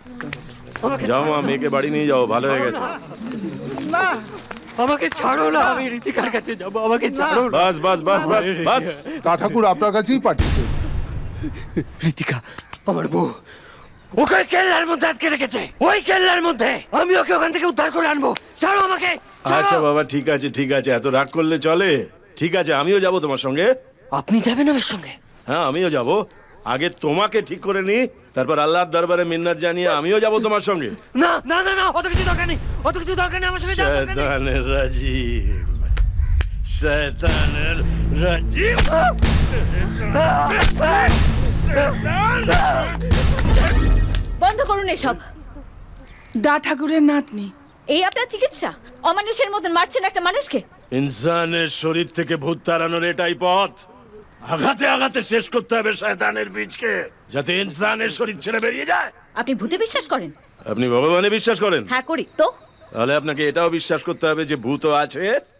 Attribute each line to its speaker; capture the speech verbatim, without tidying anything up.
Speaker 1: যাও মা, মেয়েকে বাড়ি নিয়ে যাও, ভালো হয়ে গেছে।
Speaker 2: না
Speaker 3: আমাকে ছাড়ো না, আমি ঋতিকার কাছে যাবো, আমাকে ছাড়ো না।
Speaker 1: বাস বাস বাস বাস বাস।
Speaker 4: তা ঠাকুর আপনার কাছেই পাঠিয়েছে।
Speaker 3: ঋতিকা আমার বউ, ওকে ওই কেল্লার মধ্যে আটকে রেখেছে, ওই কেল্লার মধ্যে। আমি ওকে ওখান থেকে উদ্ধার করে আনবো, ছাড়ো আমাকে, ছাড়ো।
Speaker 1: আচ্ছা বাবা, ঠিক আছে ঠিক আছে, এত রাগ করলে চলে? ঠিক আছে, আমিও যাব তোমার সঙ্গে।
Speaker 3: আপনি যাবেন আমার সঙ্গে?
Speaker 1: হ্যাঁ, আমিও যাব। আগে তোমাকে ঠিক করে নি, তারপর আল্লাহর দরবারে মিন্নাত জানিয়ে আমিও যাব তোমার সঙ্গে।
Speaker 3: না না না না, অত কিছু দরকার নেই, অত কিছু দরকার নেই, আমার সঙ্গে যাওয়ার দরকার নেই।
Speaker 1: শয়তানের রাজিম, শয়তানের রাজিম।
Speaker 5: বন্ধ করুন এসব।
Speaker 6: দা ঠাকুরের নাতনি।
Speaker 5: এই আপনার চিকিৎসা? অমানুষের মতন মারছেন একটা মানুষকে।
Speaker 1: ইনসানের শরীর থেকে ভূত তাড়ানোর এটাই পথ। আঘাতে আঘাতে শেষ করতে হবে শয়তানের বীজকে, যাতে ইনসানের শরীর ছেড়ে বেরিয়ে যায়।
Speaker 5: আপনি ভূতে বিশ্বাস করেন?
Speaker 1: আপনি ভগবানে বিশ্বাস করেন?
Speaker 5: হ্যাঁ করি তো।
Speaker 1: তাহলে আপনাকে এটাও বিশ্বাস করতে হবে যে ভূত আছে